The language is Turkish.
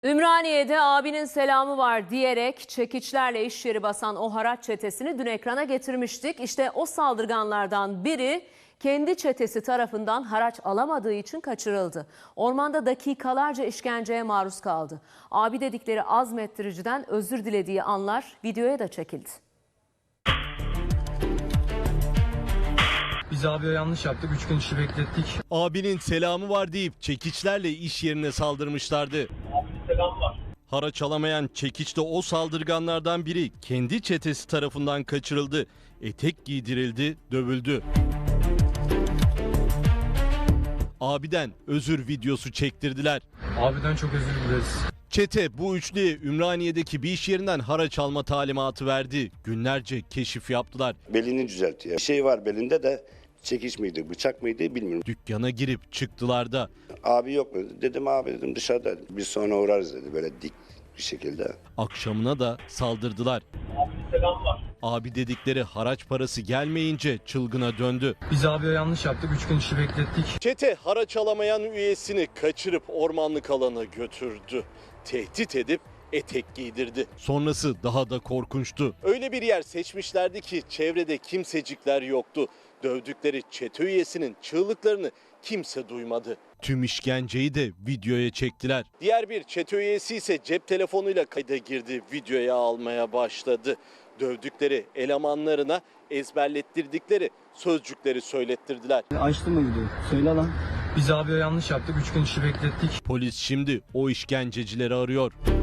Ümraniye'de abinin selamı var diyerek çekiçlerle iş yeri basan o haraç çetesini dün ekrana getirmiştik. İşte o saldırganlardan biri kendi çetesi tarafından haraç alamadığı için kaçırıldı. Ormanda dakikalarca işkenceye maruz kaldı. Abi dedikleri azmettiriciden özür dilediği anlar videoya da çekildi. Biz abiye yanlış yaptık. 3 gün işi beklettik. Abinin selamı var deyip çekiçlerle iş yerine saldırmışlardı. Abinin selamı var. Haraç alamayan çekiçte o saldırganlardan biri kendi çetesi tarafından kaçırıldı. Etek giydirildi, dövüldü. Abiden özür videosu çektirdiler. Abiden çok özür dileriz. Çete bu üçlüye Ümraniye'deki bir iş yerinden haraç alma talimatı verdi. Günlerce keşif yaptılar. Belini düzeltiyor. Bir şey var belinde de çekiç miydi, bıçak mıydı bilmiyorum. Dükkana girip çıktılar da. Abi yok mu? Dedim abi dedim dışarıda. Biz sonra uğrarız dedi böyle dik bir şekilde. Akşamına da saldırdılar. Abinin selamı var. Abi dedikleri haraç parası gelmeyince çılgına döndü. Biz abiye yanlış yaptık. 3 gün işi beklettik. Çete haraç alamayan üyesini kaçırıp ormanlık alana götürdü. Tehdit edip etek giydirdi. Sonrası daha da korkunçtu. Öyle bir yer seçmişlerdi ki çevrede kimsecikler yoktu. Dövdükleri çete üyesinin çığlıklarını kimse duymadı. Tüm işkenceyi de videoya çektiler. Diğer bir çete üyesi ise cep telefonuyla kayda girdi, videoya almaya başladı. Dövdükleri elemanlarına ezberlettirdikleri sözcükleri söylettirdiler. Açtın mı videoyu? Söyle lan. Biz abiye yanlış yaptık. 3 gün işi beklettik. Polis şimdi o işkencecileri arıyor.